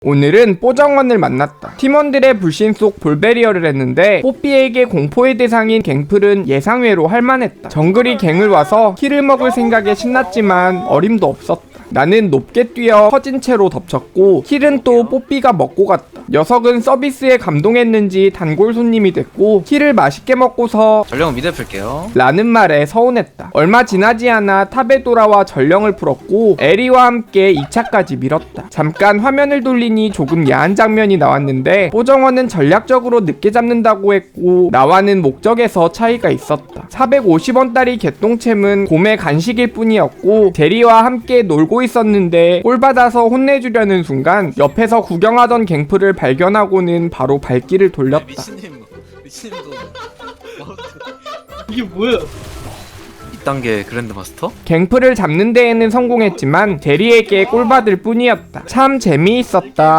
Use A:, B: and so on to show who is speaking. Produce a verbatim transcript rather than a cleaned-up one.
A: 오늘은 뽀정원을 만났다. 팀원들의 불신 속 볼베리어를 했는데 뽀삐에게 공포의 대상인 갱플은 예상외로 할만했다. 정글이 갱을 와서 킬을 먹을 생각에 신났지만 어림도 없었다. 나는 높게 뛰어 퍼진 채로 덮쳤고 킬은 또 뽀삐가 먹고 갔다. 녀석은 서비스에 감동했는지 단골 손님이 됐고 킬을 맛있게 먹고서
B: 전령은 미드 풀게요.
A: 라는 말에 서운했다. 얼마 지나지 않아 탑에 돌아와 전령을 풀었고 에리와 함께 이 차까지 밀었다. 잠깐 화면을 돌리니 조금 야한 장면이 나왔는데 뽀정원은 전략적으로 늦게 잡는다고 했고 나와는 목적에서 차이가 있었다. 사백오십 원짜리 개똥챔은 곰의 간식일 뿐이었고 제리와 함께 놀고 있었는데 꼴받아서 혼내주려는 순간 옆에서 구경하던 갱플을 발견하고는 바로 발길을 돌렸다.
B: 미친님, 미친님도
C: 이게 뭐야?
B: 이 단계 그랜드 마스터?
A: 갱플을 잡는 데에는 성공했지만 제리에게 꼴받을 뿐이었다. 참 재미있었다.